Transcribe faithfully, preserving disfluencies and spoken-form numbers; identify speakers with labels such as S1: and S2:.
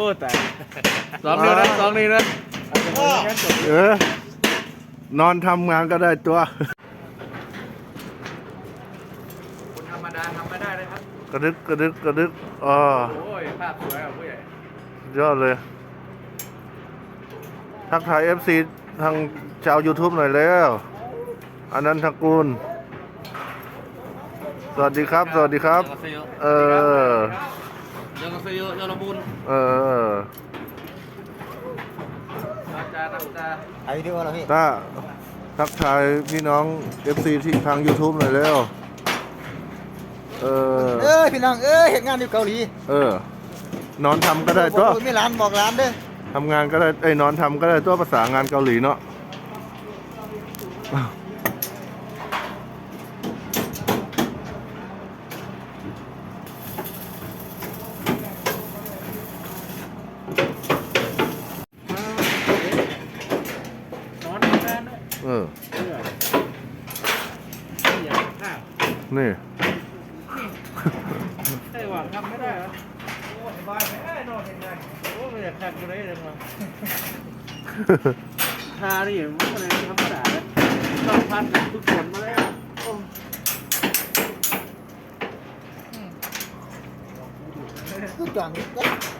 S1: แต่สองนิ้วนะสองนิ้วนะ
S2: เออนอนทำงานก็ได้ตัว
S1: คนธรรมดาทำไม่ได้เลยครับ
S2: กระดึกกระดึกกระดึกอ๋อ
S1: โอ้ยภาพสวยอ่ะผู้ใหญ่
S2: ยอดเลยทักทาย เอฟ ซี ทางชาว YouTube หน่อยแล้วอันนั้นทกูลสวัสดีครับสวัสดีครับเออ
S1: ยังเซโยยอรบุญ
S2: เออ
S1: อาจารย์อาจารย์
S3: ไอ้ที่ว่าเราพี่
S2: ถ้าทักทายพี่น้อง เอฟ ซี ที่ทาง YouTube หน่อยแล้วเออ
S3: เอ้ยพี่น้องเอ้ยเห็นงานอยู่เกาหลี
S2: เออนอนทำก็ได้ตัว
S3: ไม่ร้านบอกร้านเด้อ
S2: ทำงานก็ได้ไอ้นอนทำก็ได้ตัวภาษางานเกาหลีเนาะเออนี่
S1: ไอ้หวังทำไม่ได้เหรอโอ้สบายไม่ได้นอนยังไงโอ้ไม่อยากขัดกูเลยเลยมั้งทานี่มันอะไรธรรมดาเลยต้องพันทุกคนมาแล้ว
S3: cứ chọn